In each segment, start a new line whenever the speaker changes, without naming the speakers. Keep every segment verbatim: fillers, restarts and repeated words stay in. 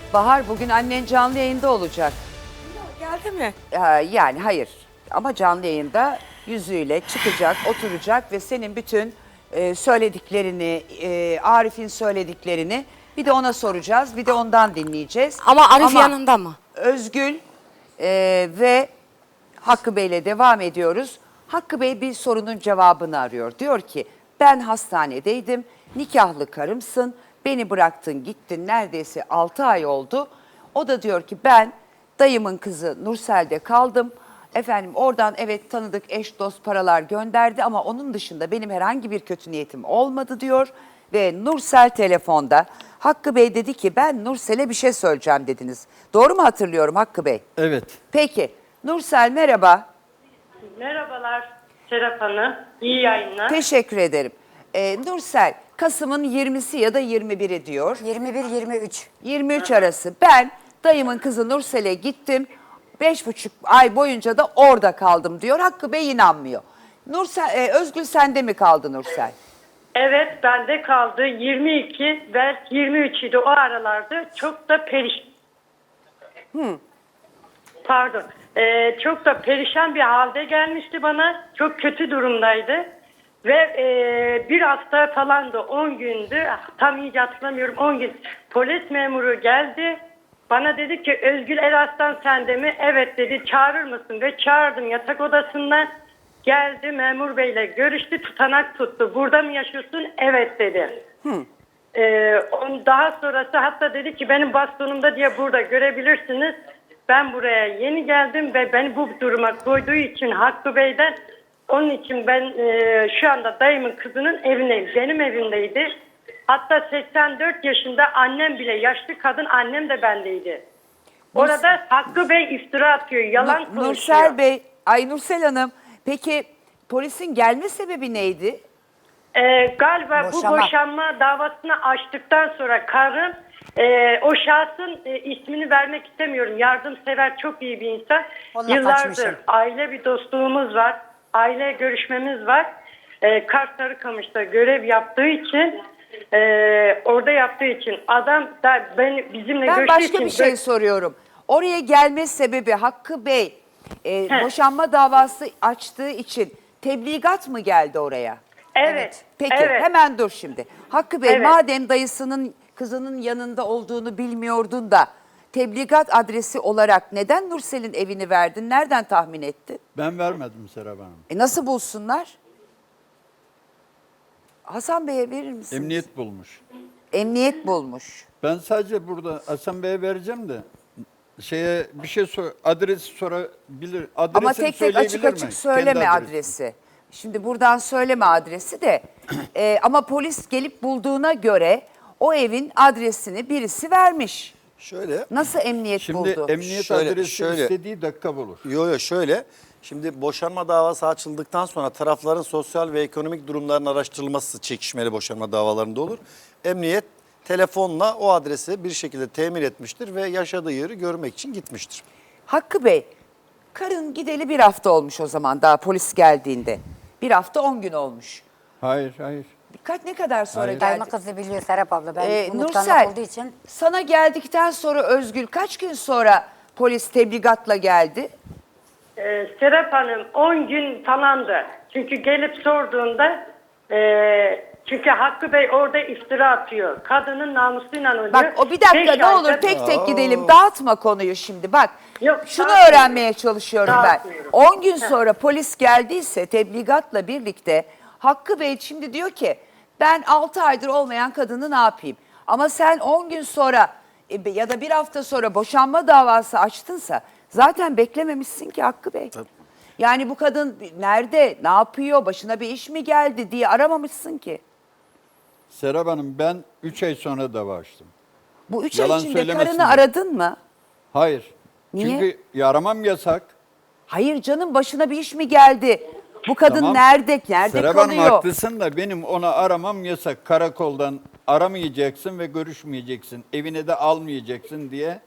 Bahar, bugün annen canlı yayında olacak.
Geldi mi?
Ee, yani hayır ama canlı yayında yüzüyle çıkacak, oturacak ve senin bütün e, söylediklerini, e, Arif'in söylediklerini bir de ona soracağız, bir de ondan dinleyeceğiz.
Ama Arif yanında mı?
Özgül e, ve Hakkı Bey'le devam ediyoruz. Hakkı Bey bir sorunun cevabını arıyor. Diyor ki ben hastanedeydim, nikahlı karımsın, beni bıraktın gittin neredeyse altı ay oldu. O da diyor ki ben dayımın kızı Nursel'de kaldım. Efendim oradan evet tanıdık eş dost paralar gönderdi ama onun dışında benim herhangi bir kötü niyetim olmadı diyor. Ve Nursel telefonda Hakkı Bey dedi ki ben Nursel'e bir şey söyleyeceğim dediniz. Doğru mu hatırlıyorum Hakkı Bey?
Evet.
Peki Nursel merhaba.
Merhabalar Serap Hanım. İyi yayınlar.
Teşekkür ederim. Ee, Nursel Kasım'ın yirmisi ya da yirmi biri diyor.
yirmi bir yirmi üç.
yirmi üç arası ben dayımın kızı Nursel'e gittim. Beş buçuk ay boyunca da orada kaldım diyor. Hakkı Bey inanmıyor. Nursel, e, Özgül sende mi kaldı Nursel?
Evet bende kaldı. yirmi iki ve yirmi üç idi o aralarda. Çok da perişan.
Hmm.
Pardon. Ee, çok da perişan bir halde gelmişti bana. Çok kötü durumdaydı. Ve e, bir hafta falan da on gündü. Tam iyice hatırlamıyorum. on gün polis memuru geldi. Bana dedi ki Özgül Eraslan sende mi? Evet dedi. Çağırır mısın? Ve çağırdım yatak odasından. Geldi memur beyle görüştü, tutanak tuttu. Burada mı yaşıyorsun? Evet dedi.
Hmm.
Ee, on, daha sonrası hatta dedi ki benim bastonumda diye burada görebilirsiniz. Ben buraya yeni geldim ve beni bu duruma koyduğu için Hakkı Bey'den onun için ben e, şu anda dayımın kızının evindeyim. Benim evimdeydi. Hatta seksen dört yaşında annem bile yaşlı kadın annem de bendeydi. Orada Hakkı Bey iftira atıyor, yalan
Nur-
konuşuyor.
Nursel Bey, ay Nursel Hanım peki polisin gelme sebebi neydi?
Ee, galiba
Boşama.
bu boşanma davasını açtıktan sonra karım e, o şahsın e, ismini vermek istemiyorum. Yardımsever çok iyi bir insan.
Onunla
Yıllardır
kaçmışım.
aile bir dostluğumuz var. Aile görüşmemiz var. E, Kars Sarıkamış'ta görev yaptığı için e, orada yaptığı için adam da ben bizimle
Ben
görüştüğü
başka
için
bir şey soruyorum. Oraya gelme sebebi Hakkı Bey e, boşanma davası açtığı için tebligat mı geldi oraya?
Evet.
Peki
evet.
hemen dur şimdi. Hakkı Bey
Evet.
madem dayısının kızının yanında olduğunu bilmiyordun da tebligat adresi olarak neden Nursel'in evini verdin? Nereden tahmin ettin?
Ben vermedim Serap Hanım.
E nasıl bulsunlar? Hasan Bey'e verir misiniz?
Emniyet bulmuş.
Emniyet bulmuş.
Ben sadece burada Hasan Bey'e vereceğim de şeye bir şey sor, adresi sorabilir. Adresini
Ama tek tek
söyleyebilir
açık
mi?
açık söyleme
Kendi adresini.
adresi. Şimdi buradan söyleme adresi de. E, ama polis gelip bulduğuna göre o evin adresini birisi vermiş.
Şöyle,
Nasıl emniyet
Şimdi
buldu?
emniyet
Şöyle,
adresi
şöyle.
istediği dakika bulur.
yo yo şöyle. Şimdi boşanma davası açıldıktan sonra tarafların sosyal ve ekonomik durumlarının araştırılması çekişmeli boşanma davalarında olur. Emniyet telefonla o adresi bir şekilde temin etmiştir ve yaşadığı yeri görmek için gitmiştir.
Hakkı Bey, karın gideli bir hafta olmuş o zaman daha polis geldiğinde. Bir hafta on gün olmuş.
Hayır, hayır.
Kaç ne kadar sonra
Hayır.
geldi?
Dayımın kızı biliyor Serap abla. Ben
Ee,
unutkanlık
Nursel,
olduğu için.
sana geldikten sonra Özgül kaç gün sonra polis tebligatla geldi?
Ee, Serap Hanım on gün falandı. Çünkü gelip sorduğunda e, çünkü Hakkı Bey orada iftira atıyor. Kadının namusuyla oynuyor.
Bak o bir dakika
Beş
ne olur
ayda-
tek tek gidelim. Dağıtma konuyu şimdi bak.
Yok,
şunu
dağıtmıyorum.
öğrenmeye çalışıyorum ben.
Dağıtmıyorum.
on gün sonra polis geldiyse tebligatla birlikte Hakkı Bey şimdi diyor ki ben altı aydır olmayan kadını ne yapayım? Ama sen on gün sonra e, ya da bir hafta sonra boşanma davası açtınsa zaten beklememişsin ki Hakkı Bey. Yani bu kadın nerede, ne yapıyor, başına bir iş mi geldi diye aramamışsın ki.
Serap Hanım ben üç ay sonra dava açtım.
Bu üç
Yalan
ay içinde
söylemesin
karını
diye.
aradın mı?
Hayır.
Niye?
Çünkü aramam yasak.
Hayır canım başına bir iş mi geldi? Bu kadın
Tamam.
nerede? Nerede
Serap Hanım
kalıyor?
haklısın da benim ona aramam yasak. Karakoldan aramayacaksın ve görüşmeyeceksin. Evine de almayacaksın diye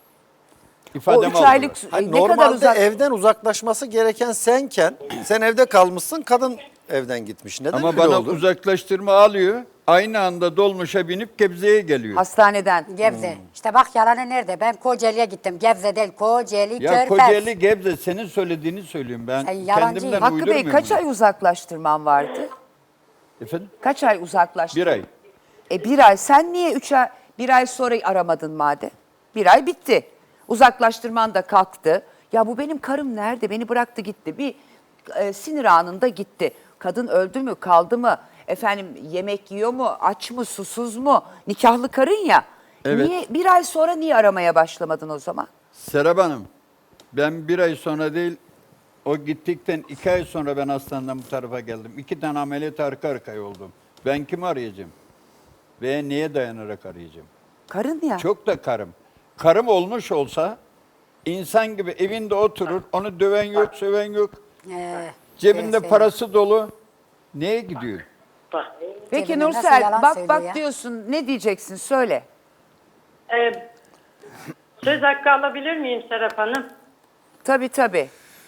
O
ifadem
üç aylık
aldılar.
e,
Hayır,
ne kadar
normalde
uzak?
evden uzaklaşması gereken senken sen evde kalmışsın. Kadın evden gitmiş. Neden
Ama
öyle
bana
oldu?
uzaklaştırma alıyor. Aynı anda dolmuşa binip Gebze'ye geliyor.
Hastaneden.
Gebze. İşte bak yalanı nerede? Ben Kocaeli'ye gittim. Gebze değil, Kocaeli,
Ya
Körfez.
Kocaeli Gebze senin söylediğini söylüyorum ben.
Sen yalancı.
Kendimden
Hakkı Bey
uydurmuyorum
kaç
bunu.
ay uzaklaştırman vardı?
Efendim?
Kaç ay uzaklaştırdın?
Bir ay.
E bir ay. Sen niye üç ay, bir ay sonra aramadın madem? Bir ay bitti. Uzaklaştırman da kalktı. Ya bu benim karım nerede? Beni bıraktı gitti. Bir e, sinir anında gitti. Kadın öldü mü, kaldı mı? Efendim yemek yiyor mu, aç mı, susuz mu? Nikahlı karın ya.
Evet.
Niye bir ay sonra niye aramaya başlamadın o zaman?
Serap Hanım, ben bir ay sonra değil, o gittikten iki ay sonra ben hastaneden bu tarafa geldim. İki tane ameliyat arka arkaya oldum. Ben kimi arayacağım? Ve neye dayanarak arayacağım?
Karın ya.
Çok da karım. Karım olmuş olsa insan gibi evinde oturur, onu döven yok, söven yok.
Ee,
Cebinde
evet,
parası dolu. Neye gidiyor?
Bak.
Peki
Cebine nasıl
Nursel
yalan
bak
söylüyor
bak
ya?
diyorsun, ne diyeceksin söyle.
Ee, söz hakkı alabilir miyim Serap Hanım?
Tabii tabii.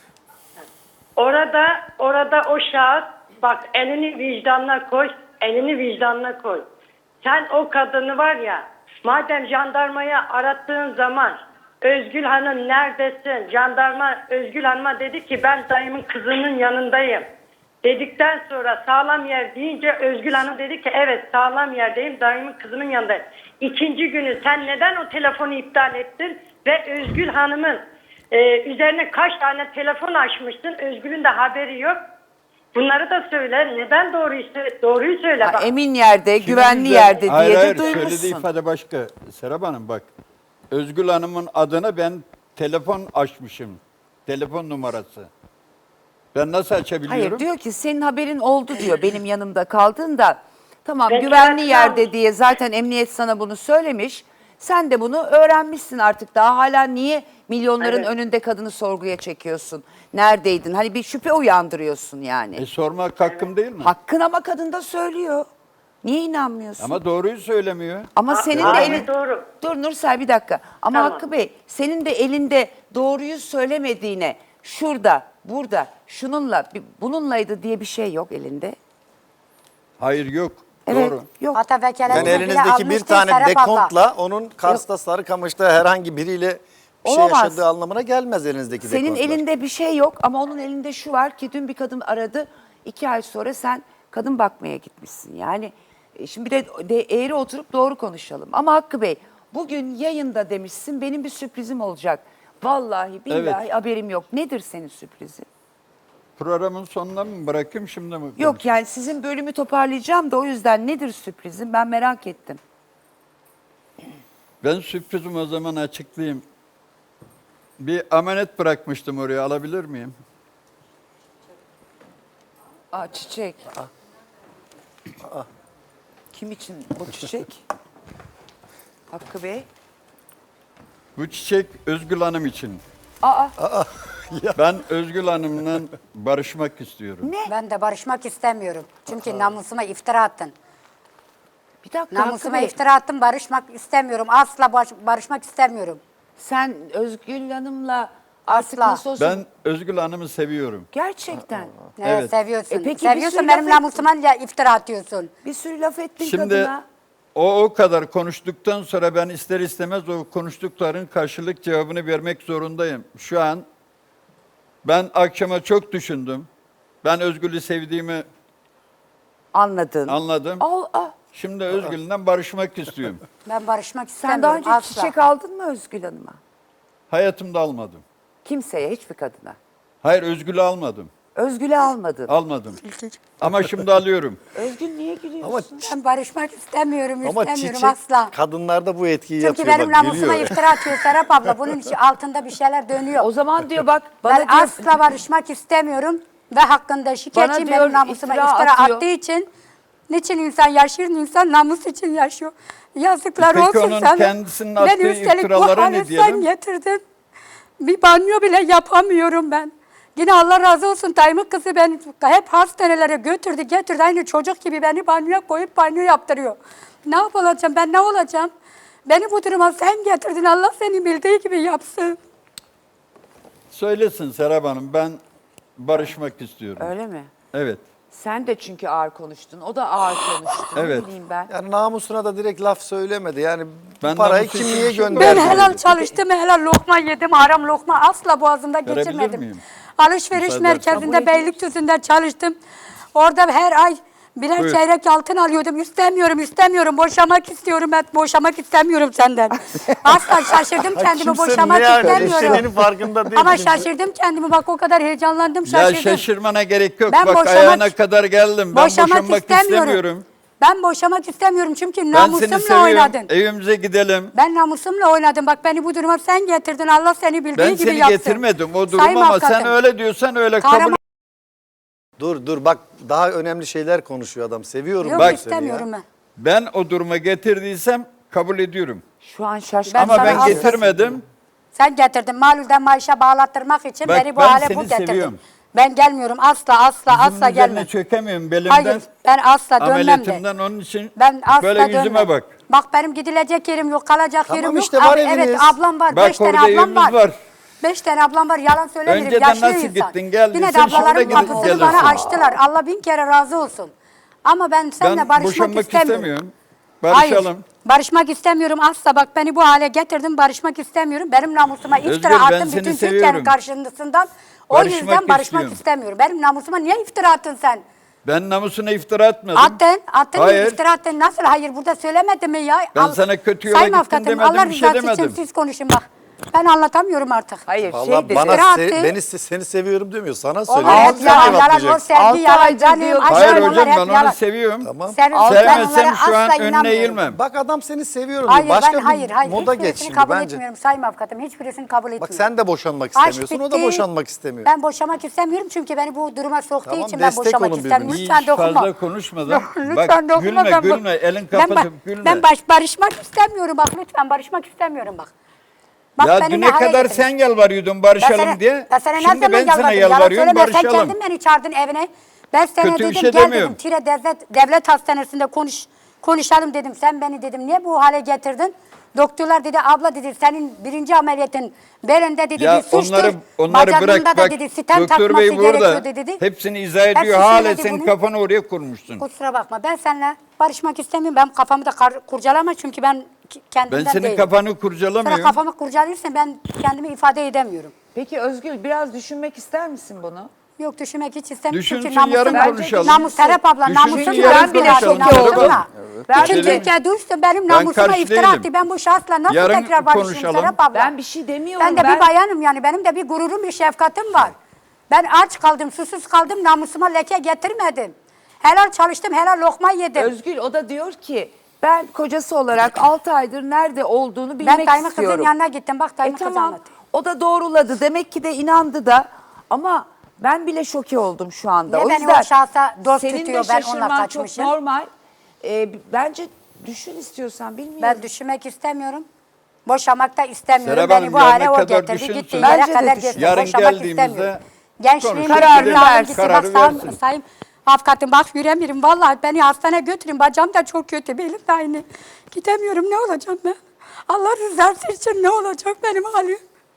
Orada, orada o şahıs, bak elini vicdanına koy, elini vicdanına koy. Sen o kadını var ya, madem jandarmaya arattığın zaman, Özgül Hanım neredesin? Jandarma Özgül Hanım'a dedi ki ben dayımın kızının yanındayım. Dedikten sonra sağlam yer deyince Özgül Hanım dedi ki evet sağlam yerdeyim, dayımın kızının yanındayım. İkinci günü sen neden o telefonu iptal ettin ve Özgül Hanım'ın e, üzerine kaç tane telefon açmışsın, Özgül'ün de haberi yok. Bunları da söyle. Neden doğruyu, sö- doğruyu söyle.
Ha,
Bak.
emin yerde,
Kimin
güvenli
üzerine-
yerde
hayır,
diye
hayır,
de
söylediği
duymuşsun.
ifade başka. Serap Hanım bak. Özgül Hanım'ın adına ben telefon açmışım. Telefon numarası. Ben nasıl açabiliyorum?
Hayır diyor ki senin haberin oldu diyor benim yanımda kaldığında. Tamam
Ben
güvenli
trafikte
yerde
almışım.
diye zaten emniyet sana bunu söylemiş. Sen de bunu öğrenmişsin artık, daha hala niye milyonların
Evet.
önünde kadını sorguya çekiyorsun? Neredeydin? Hani bir şüphe uyandırıyorsun yani.
E sormak hakkım değil mi?
Hakkın ama kadın da söylüyor. Niye inanmıyorsun? Ama,
Ama doğruyu söylemiyor.
senin de
Hayır,
elin...
doğru.
Dur Nursel bir dakika. Ama
Tamam.
Hakkı Bey senin de elinde doğruyu söylemediğine şurada, burada, şununla, bir- bununlaydı diye bir şey yok elinde.
Hayır yok.
Evet,
Doğru.
yok.
Hatta vekaletini
Yani
bile
elinizdeki bir
almıştı
tane
Serap abla.
dekontla onun Kars'ta Sarıkamış'ta herhangi biriyle bir şey
Olamaz.
yaşadığı anlamına gelmez elinizdeki
Senin
dekontlar.
elinde bir şey yok ama onun elinde şu var ki dün bir kadın aradı. İki ay sonra sen kadın bakmaya gitmişsin. Yani e, şimdi bir de, de eğri oturup doğru konuşalım. Ama Hakkı Bey bugün yayında demişsin benim bir sürprizim olacak. Vallahi billahi
Evet.
haberim yok. Nedir senin sürprizin?
Programın sonuna mı bırakayım şimdi mi?
Yok yani sizin bölümü toparlayacağım da o yüzden nedir sürprizin ben merak ettim.
Ben sürprizimi o zaman açıklayayım. Bir amanet bırakmıştım oraya, alabilir miyim?
Aa çiçek. Kim için bu çiçek? Hakkı Bey.
Bu çiçek Özgül Hanım için.
Aa
Ben Özgül Hanım'la barışmak istiyorum.
ne?
Ben de barışmak istemiyorum. Çünkü namusuma iftira attın.
Bir dakika Hakkı
Namusuma
Bey.
iftira attın, barışmak istemiyorum. Asla baş- barışmak istemiyorum.
Sen Özgül Hanım'la artık
Asla.
nasıl olsa...
Ben Özgül Hanım'ı seviyorum.
Gerçekten.
Evet,
Evet.
seviyorsun.
E peki bir
seviyorsun
sürü
benim
laf ettin.
namusuma ya iftira atıyorsun.
Bir sürü laf ettin
Şimdi
kadına.
o o kadar konuştuktan sonra ben ister istemez o konuştukların karşılık cevabını vermek zorundayım. Şu an ben akşama çok düşündüm. Ben Özgül'ü sevdiğimi
Anladın.
anladım.
Al, al.
Şimdi Özgül'den barışmak istiyorum.
Ben barışmak
Sen
istemiyorum
daha önce
asla.
çiçek aldın mı Özgül Hanım'a?
Hayatımda almadım.
Kimseye, hiçbir kadına.
Hayır, Özgül'ü almadım.
Özgül'e almadın.
Almadım. Ama şimdi alıyorum.
Özgül niye gülüyorsun?
Ama
Ben barışmak istemiyorum,
ama
istemiyorum
çiçek
asla.
kadınlarda bu etkiyi
Çünkü
yapıyor.
benim
Bak,
namusuma
gülüyor.
iftira atıyor Serap abla. Bunun için altında bir şeyler dönüyor.
O zaman diyor bak bana
Ben
diyor,
asla barışmak istemiyorum ve hakkında şikayetçiyim.
diyor,
Benim namusuma
iftira
iftira,
atıyor.
attığı için. Niçin insan yaşıyor? İnsan namus için yaşıyor. Yazıklar
Peki
olsun
onun
sana.
kendisinin
Beni
attığı
üstelik bu
iftiralara ne
hale
diyelim?
sen getirdin. Bir banyo bile yapamıyorum ben. Yine Allah razı olsun Tayyip kızı beni hep hastanelere götürdü getirdi. Aynı çocuk gibi beni banyoya koyup banyo yaptırıyor. Ne yapacağım ben, ne olacağım? Beni bu duruma sen getirdin, Allah seni bildiği gibi yapsın.
Söylesin Serap Hanım, ben barışmak istiyorum.
Öyle mi?
Evet.
Sen de çünkü ağır konuştun. O da ağır konuştu.
Evet.
Ne bileyim ben.
Yani namusuna da direkt laf söylemedi. Yani
Ben
bu parayı
namusu
kim
için
niye
bir şey
gönderdi?
Ben helal çalıştım, helal lokma yedim, haram lokma asla boğazımda
Verebilir
geçirmedim.
miyim?
Alışveriş
Müsaade
merkezinde Beylikdüzü'nde çalıştım. Orada her ay birer
Buyur.
çeyrek altın alıyordum. İstemiyorum, istemiyorum. Boşamak istiyorum. Ben boşamak istemiyorum senden. Asla şaşırdım kendimi.
Kimse
Boşamak
ne yani
istemiyorum.
eşeğinin farkında değil.
Ama
kimse.
şaşırdım kendimi. Bak o kadar heyecanlandım,
Ya
şaşırdım.
şaşırmana gerek yok.
Ben
Bak
boşamak-
ayağına kadar geldim. Ben
boşamak
boşanmak
istemiyorum.
istemiyorum.
Ben boşamak istemiyorum çünkü
Ben seni
namusumla
seviyorum.
oynadın.
Evimize gidelim.
Ben namusumla oynadım. Bak beni bu duruma sen getirdin. Allah seni bildiği
Ben
gibi
seni
yapsın.
getirmedim o durum
Sayın
ama
avukatım,
sen öyle diyorsan öyle
Kahraman-
kabul.
Dur dur bak daha önemli şeyler konuşuyor adam. Seviyorum
Yok
ben seni
istemiyorum
ya.
ben.
Ben o duruma getirdiysem kabul ediyorum.
Şu an şaşkın.
Ben
Ama
sana
ben
asla-
getirmedim.
Sen getirdin. Malulden maaşa bağlattırmak için
Bak,
beni bu
ben
hale
seni
bu getirdin.
seviyorum.
Ben gelmiyorum. Asla asla asla
Yüzümün
gelmem.
üzerine çökemiyorum belimden.
Hayır ben asla dönmem de.
Ameliyatımdan onun için
Ben asla
böyle
dönmem.
yüzüme bak.
Bak benim gidilecek yerim yok, kalacak
Tamam
yerim
işte,
yok.
var
Abi, evet
eviniz.
ablam var.
Bak
Beş tane
orada
ablam
evimiz
var.
var.
Beş tane ablam var. Yalan söylemiyorum.
Önceden
Yaşlı
nasıl
insan.
gittin, geldin?
Yine de
Sen şimdi
ablaların
gidip
kapısını
gelirsin.
bana açtılar. Allah bin kere razı olsun. Ama ben seninle
Ben
barışmak
boşanmak
istemiyorum.
istemiyorum. Barışalım.
Hayır, barışmak istemiyorum asla. Bak beni bu hale getirdin, barışmak istemiyorum. Benim namusuma iftira
Özgür, ben
attın
seni
bütün
seviyorum.
Türkiye'nin karşısından. O
Barışmak
yüzden barışmak
istiyorum.
istemiyorum. Benim namusuma niye iftira attın sen?
Ben namusuna iftira atmadım.
Attın, attın mı
Hayır.
iftira attın? Nasıl? Hayır, burada söylemedin mi ya?
Ben sana kötü yola
Sayın
gittin
avukatım,
demedim,
Allah
bir şey
rızası için
demedim.
siz konuşun bak. Ben anlatamıyorum artık.
Hayır
Vallahi
şey dedi.
bana
İftira
se-
attı.
beni se- seni seviyorum demiyor. Sana
Onlar
söylüyor.
hep
Sen
yalan, yalan, o
cevaplayacaksın.
sevgi
Altı
yalan,
aydır
canım,
diyor-
aşkım,
Hayır
onlar
hocam
hep
ben onu
yalan.
seviyorum.
Tamam.
Sen- ben
Sevmesem
onlara
şu an
asla
önüne
inanmıyorum.
eğilmem.
Bak adam seni seviyorum
Hayır
diyor. Başka
ben hayır
bir
hayır
moda
hiçbirisini
geç şimdi
kabul
bence.
etmiyorum Sayın Avukatım, hiçbirisini kabul etmiyorum.
Bak sen de boşanmak
Aşk
istemiyorsun. O da
bitti.
boşanmak istemiyor.
Ben boşamak istemiyorum çünkü beni bu duruma soktuğu
Tamam,
için ben
destek
boşamak
olun
istemiyorum.
birbirinize.
Lütfen
Hiç
dokunma.
fazla konuşmadan.
Yok,
Bak
lütfen dokunma.
gülme
ben bu-
gülme elin
ben,
kapatıp
ba-
gülme.
ben baş, barışmak istemiyorum bak lütfen barışmak istemiyorum bak. Bak
Ya
beni
düne
ne hale
kadar
getirdin.
sen yalvarıyordun
Ben
barışalım
sana-
diye.
Ben sana ne
Şimdi
zaman
ben sana
yalvardım? Yalan
yalvarıyorum
söyleme, sen
barışalım.
kendin beni çağırdın evine. Ben sana
Kötü bir
dedim
şey
gel
demiyorum.
dedim Tire devlet, devlet hastanesinde konuş konuşalım dedim. Sen beni dedim niye bu hale getirdin? Doktorlar dedi abla dedi senin birinci ameliyatın belinde dedi
Ya
bir suçtur.
onları onları
Bacağında
bırak
da
bak
dedi stent
doktor
takması
bey burada
gerekiyor dedi.
hepsini izah ediyor
Hepsi
hala
söyledi
sen
bunu.
kafanı oraya kurmuşsun.
Kusura bakma ben seninle barışmak istemiyorum. Ben kafamı da kar- kurcalama çünkü ben ki- kendimden
Ben senin
değilim.
kafanı
Sonra
kurcalamıyorum.
kafamı kurcalıyorsan ben kendimi ifade edemiyorum.
Peki Özgül biraz düşünmek ister misin bunu?
Yok düşünmek hiç istemiyorum.
Düşünsün,
Çünkü namusum,
yarın
ben-
konuşalım.
Namus Serap abla
Düşünsün,
namusumla
yarın
iftira
konuşalım.
attı, namusumla.
Tamam.
Ben
Bütün
de-
Türkiye duysun benim
Ben
namusuma
karşı
iftira
değilim.
attı. Ben bu şahsla nasıl
Yarın
tekrar barışayım
konuşalım.
Serap abla?
Ben bir şey demiyorum.
Ben de
ben
bir bayanım yani benim de bir gururum bir şefkatim var. Ben aç kaldım susuz kaldım namusuma leke getirmedim. Helal çalıştım helal lokma yedim.
Özgül o da diyor ki ben kocası olarak altı aydır nerede olduğunu bilmek
ben Tayyip kızın
istiyorum.
yanına gittim bak
E
Tayyip kızı
tamam
anlatıyor.
o da doğruladı demek ki de inandı da ama ben bile şoke oldum şu anda.
Niye
o
beni
yüzden
o şahsa dost
senin
tutuyor,
de
ben onunla
şaşırman çok
kaçmışım?
normal. Ee, bence düşün istiyorsan bilmiyorum.
Ben düşünmek istemiyorum. Boşamak da istemiyorum.
Serap
Beni
Hanım,
bu
yarına
hale o
kadar
getirdi.
düşünsün.
Gitti yere
Bence de
kadar
düşün.
getirdi.
Yarın
Boşamak
geldiğimizde
istemiyorum. Gençliğim
konuşuruz.
kararını
Kararını
versin.
versin.
Bak
Kararı
sayın,
versin.
sayın avukatım bak yüremiyorum. Vallahi beni hastaneye götürün. Bacağım da çok kötü. Benim de aynı. Gidemiyorum. Ne olacağım ben? Allah rızası için ne olacak benim halim?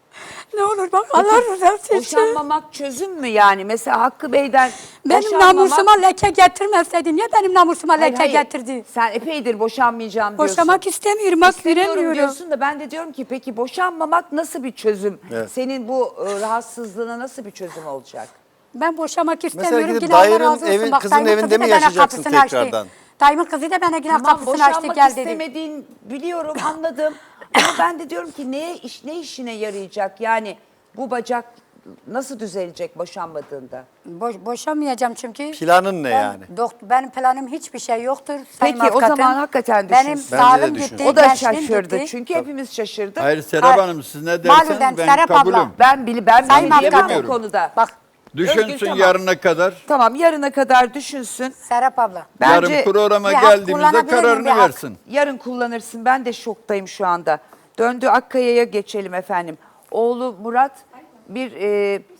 Ne olur bak Allah rızası için.
Boşanmamak çözüm mü yani? Mesela Hakkı Bey'den
Benim
boşanmamak-
namusuma leke getirmeseydin. Niye benim namusuma
Hayır,
leke
hayır.
getirdi?
Sen epeydir boşanmayacağım diyorsun.
Boşamak istemiyorum. Bak
İstemiyorum
yüremiyorum.
diyorsun da ben de diyorum ki peki boşanmamak nasıl bir çözüm?
Evet.
Senin bu e, rahatsızlığına nasıl bir çözüm olacak?
Ben boşamak
Mesela
istemiyorum.
gidip
Yine Allah
dayının
razı olsun.
evi-
Bak,
kızın
Tayyip'in
evinde
kızı
mi
da bana
yaşayacaksın
kapısını açtı.
tekrardan?
Tayyip'in kızı da bana yine
Tamam
kapısını açtı
boşanmak
gel dedi.
istemediğin biliyorum anladım. Ama ben de diyorum ki neye iş, ne işine yarayacak? Yani bu bacak nasıl düzelecek boşanmadığında?
Boş, boşamayacağım çünkü.
Planın ne
ben,
yani?
Dokt, benim planım hiçbir şey yoktur. Sayın
Peki, o
avukatım.
zaman hakikaten
Benim
düşünsün.
Bence de
sağlığım
düşünsün.
gitti,
O da
gençliğim
şaşırdı.
gitti.
Çünkü hepimiz şaşırdık.
Hayır Serap
Hayır.
Hanım siz ne
Malum
derseniz ben
Serap abla.
kabulüm.
Ben bile ben
Sayın
bile diyemem
avukatım.
bu konuda.
Bak
Özgür,
Düşünsün
tamam.
yarına kadar.
Tamam yarına kadar düşünsün.
Serap abla.
Bence
Yarın programa
bir hak
geldiğimizde
kullanabilir miyim?
kararını
Bir hak.
versin.
yarın kullanırsın. Ben de şoktayım şu anda. Döndü Akkaya'ya geçelim efendim. Oğlu Murat bir e,